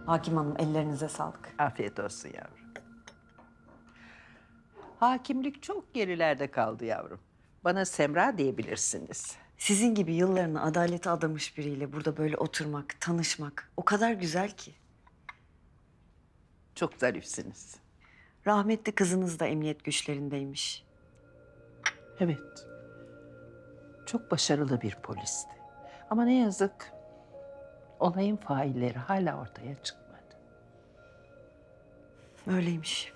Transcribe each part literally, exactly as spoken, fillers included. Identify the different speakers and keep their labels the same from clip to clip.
Speaker 1: Hakim Hanım, ellerinize sağlık.
Speaker 2: Afiyet olsun yavrum. Hakimlik çok gerilerde kaldı yavrum. Bana Semra diyebilirsiniz.
Speaker 1: Sizin gibi yıllarını adalete adamış biriyle burada böyle oturmak, tanışmak o kadar güzel ki.
Speaker 2: Çok zarifsiniz.
Speaker 1: Rahmetli kızınız da emniyet güçlerindeymiş.
Speaker 2: Evet. Çok başarılı bir polisti. Ama ne yazık olayın failleri hala ortaya çıkmadı.
Speaker 1: Öyleymiş.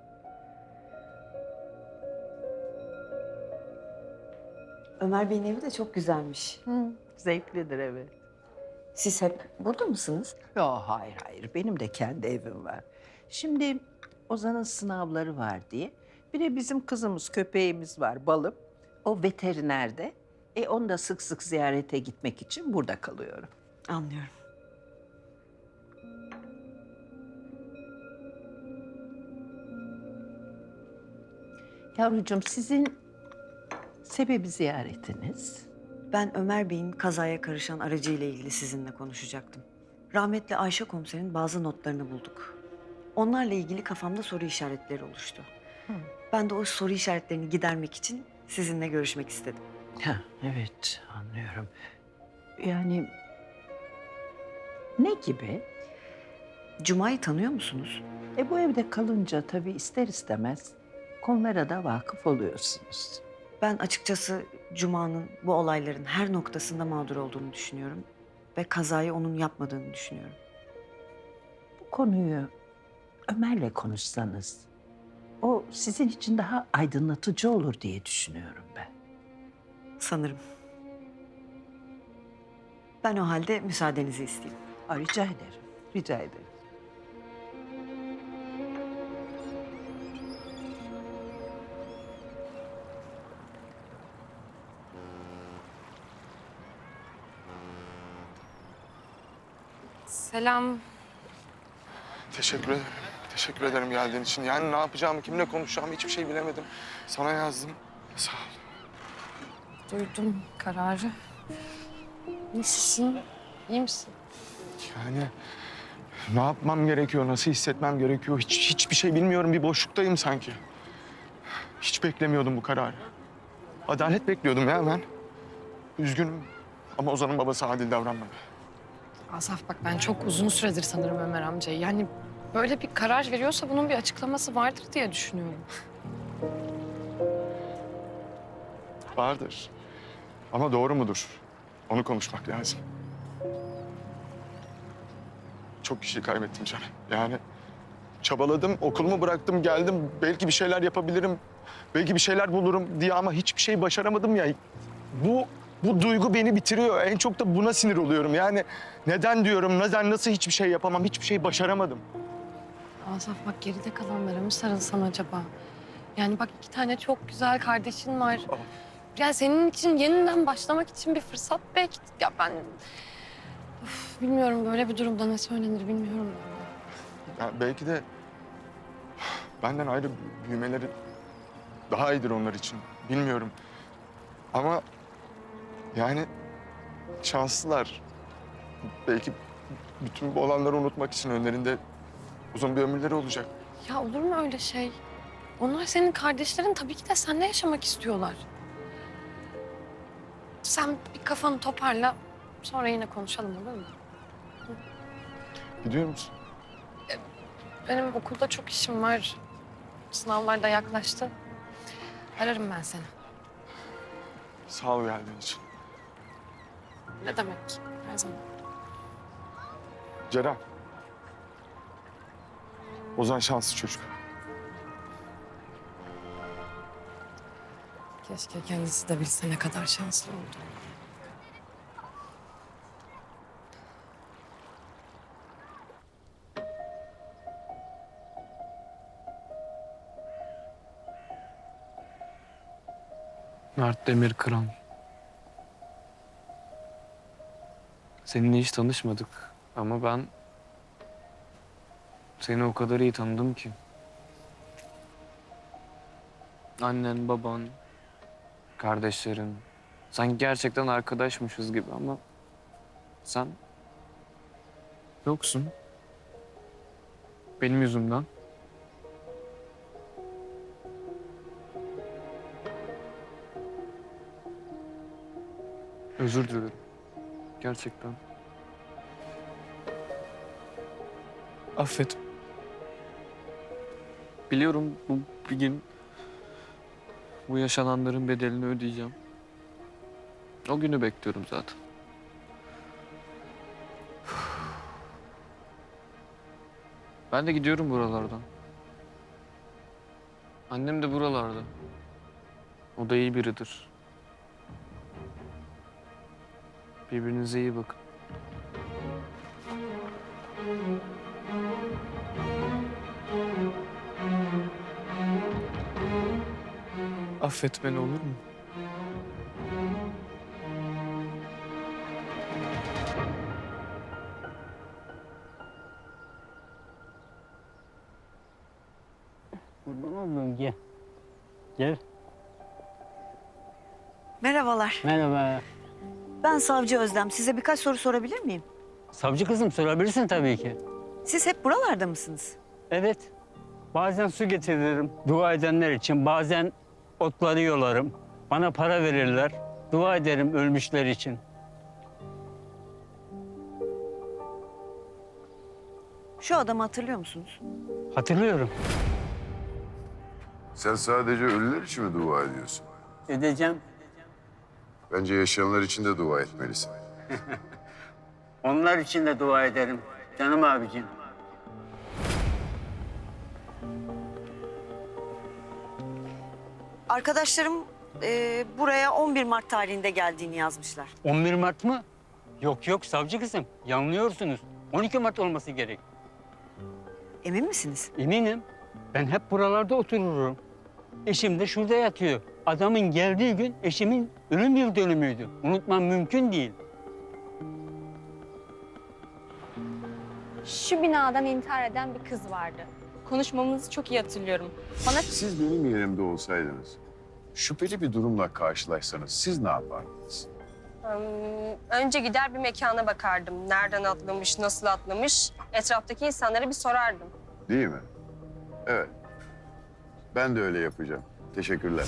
Speaker 1: Ömer Bey'in evi de çok güzelmiş.
Speaker 2: Hı, zevklidir evet.
Speaker 1: Siz hep burada mısınız?
Speaker 2: Yo, hayır hayır, benim de kendi evim var. Şimdi Ozan'ın sınavları var diye. Bir de bizim kızımız, köpeğimiz var, Balım. O veterinerde. E onu da sık sık ziyarete gitmek için burada kalıyorum.
Speaker 1: Anlıyorum.
Speaker 2: Yavrucuğum, sizin sebebi ziyaretiniz?
Speaker 1: Ben Ömer Bey'in kazaya karışan aracıyla ilgili sizinle konuşacaktım. Rahmetli Ayşe komiserin bazı notlarını bulduk. Onlarla ilgili kafamda soru işaretleri oluştu. Ben de o soru işaretlerini gidermek için sizinle görüşmek istedim.
Speaker 2: Ha, evet, anlıyorum. Yani ne gibi?
Speaker 1: Cuma'yı tanıyor musunuz?
Speaker 2: E bu evde kalınca tabii ister istemez konulara da vakıf oluyorsunuz.
Speaker 1: Ben açıkçası Cuma'nın bu olayların her noktasında mağdur olduğunu düşünüyorum. Ve kazayı onun yapmadığını düşünüyorum.
Speaker 2: Bu konuyu Ömer'le konuşsanız o sizin için daha aydınlatıcı olur diye düşünüyorum ben.
Speaker 1: Sanırım. Ben o halde müsaadenizi isteyeyim.
Speaker 2: Aa, rica ederim, rica ederim.
Speaker 3: Selam.
Speaker 4: Teşekkür ederim. Teşekkür ederim geldiğin için. Yani ne yapacağımı, kimle konuşacağımı hiçbir şey bilemedim. Sana yazdım. Sağ ol.
Speaker 3: Duydum kararı. Nasılsın? İyi misin?
Speaker 4: Yani ne yapmam gerekiyor, nasıl hissetmem gerekiyor hiç, hiçbir şey bilmiyorum. Bir boşluktayım sanki. Hiç beklemiyordum bu kararı. Adalet bekliyordum ya ben. Üzgünüm ama Ozan'ın babası adil davranmadı.
Speaker 3: Asaf bak ben çok uzun süredir sanırım Ömer amcayı. Yani böyle bir karar veriyorsa bunun bir açıklaması vardır diye düşünüyorum.
Speaker 4: Vardır. Ama doğru mudur? Onu konuşmak lazım. Çok kişi kaybettim canım. Yani çabaladım, okulumu bıraktım, geldim. Belki bir şeyler yapabilirim, belki bir şeyler bulurum diye ama hiçbir şey başaramadım ya. Bu, bu duygu beni bitiriyor. En çok da buna sinir oluyorum. Yani neden diyorum, neden, nasıl hiçbir şey yapamam, hiçbir şey başaramadım.
Speaker 3: Asaf bak geride kalanlara mı sarılsan acaba? Yani bak iki tane çok güzel kardeşin var.
Speaker 4: Oh.
Speaker 3: Ya senin için yeniden başlamak için bir fırsat belki. Ya ben... Of, bilmiyorum böyle bir durumda ne söylenir bilmiyorum.
Speaker 4: Ya belki de benden ayrı büyümeleri daha iyidir onlar için. Bilmiyorum. Ama yani şanslılar. Belki bütün bu olanları unutmak için önlerinde uzun bir ömürleri olacak.
Speaker 3: Ya olur mu öyle şey? Onlar senin kardeşlerin, tabii ki de seninle yaşamak istiyorlar. Sen bir kafanı toparla, sonra yine konuşalım olur mu?
Speaker 4: Gidiyor musun?
Speaker 3: Benim okulda çok işim var. Sınavlar da yaklaştı. Ararım ben seni.
Speaker 4: Sağ ol geldiğin için.
Speaker 3: Ne demek? Her zaman.
Speaker 4: Ceren. Ozan şanslı çocuk.
Speaker 3: Keşke kendisi de bilse ne kadar şanslı oldu.
Speaker 5: Mert Demir Kıran. Seninle hiç tanışmadık ama ben seni o kadar iyi tanıdım ki. Annen, baban, kardeşlerin. Sanki gerçekten arkadaşmışız gibi ama sen yoksun. Benim yüzümden. Özür dilerim. Gerçekten. Affet. Biliyorum bu bir gün bu yaşananların bedelini ödeyeceğim. O günü bekliyorum zaten. Ben de gidiyorum buralardan. Annem de buralarda. O da iyi biridir. Birbirinize iyi bakın. Affet beni, olur mu?
Speaker 6: Kurban olduğum gel. Gel.
Speaker 1: Merhabalar.
Speaker 6: Merhaba.
Speaker 1: Ben Savcı Özlem. Size birkaç soru sorabilir miyim?
Speaker 6: Savcı kızım sorabilirsin tabii ki.
Speaker 1: Siz hep buralarda mısınız?
Speaker 6: Evet. Bazen su getiririm dua edenler için. Bazen otları yolarım. Bana para verirler. Dua ederim ölmüşler için.
Speaker 1: Şu adamı hatırlıyor musunuz?
Speaker 6: Hatırlıyorum.
Speaker 7: Sen sadece ölüler için mi dua ediyorsun?
Speaker 6: Edeceğim.
Speaker 7: Bence yaşayanlar için de dua etmelisin.
Speaker 6: Onlar için de dua ederim. Canım abicim.
Speaker 1: Arkadaşlarım e, buraya on bir Mart tarihinde geldiğini yazmışlar.
Speaker 6: on bir Mart mı? Yok yok savcı kızım. Yanılıyorsunuz. on iki Mart olması gerek.
Speaker 1: Emin misiniz?
Speaker 6: Eminim. Ben hep buralarda otururum. Eşim de şurada yatıyor. Adamın geldiği gün eşimin ölüm yıl dönümüydü. Unutmam mümkün değil.
Speaker 8: Şu binadan intihar eden bir kız vardı. Konuşmamızı çok iyi hatırlıyorum. Bana
Speaker 7: Siz benim yerimde olsaydınız, şüpheli bir durumla karşılaşsanız siz ne yapardınız?
Speaker 8: ım, önce gider bir mekana bakardım. Nereden atlamış, nasıl atlamış? Etraftaki insanlara bir sorardım.
Speaker 7: Değil mi? Evet. Ben de öyle yapacağım. Teşekkürler.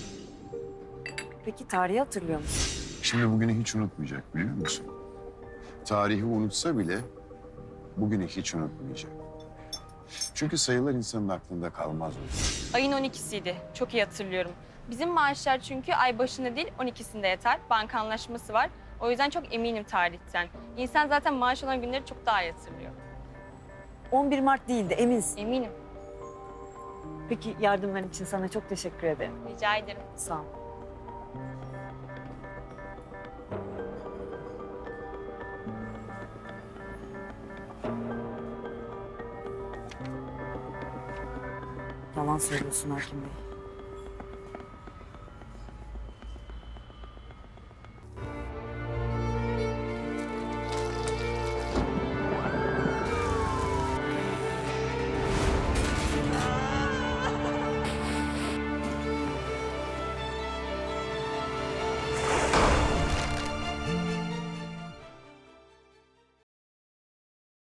Speaker 1: Peki tarihi hatırlıyor musunuz?
Speaker 7: Şimdi bugünü hiç unutmayacak biliyor musun? Tarihi unutsa bile bugünü hiç unutmayacak. Çünkü sayılar insanın aklında kalmaz o.
Speaker 8: Ayın on ikisiydi. Çok iyi hatırlıyorum. Bizim maaşlar çünkü ay başında değil on ikisinde yatar. Banka anlaşması var. O yüzden çok eminim tarihten. İnsan zaten maaş olan günleri çok daha iyi hatırlıyor.
Speaker 1: on bir Mart değildi, eminsin.
Speaker 8: Eminim.
Speaker 1: Peki yardımların için sana çok teşekkür ederim.
Speaker 8: Rica ederim.
Speaker 1: Sağ ol. Yalan söylüyorsun Hakim Bey.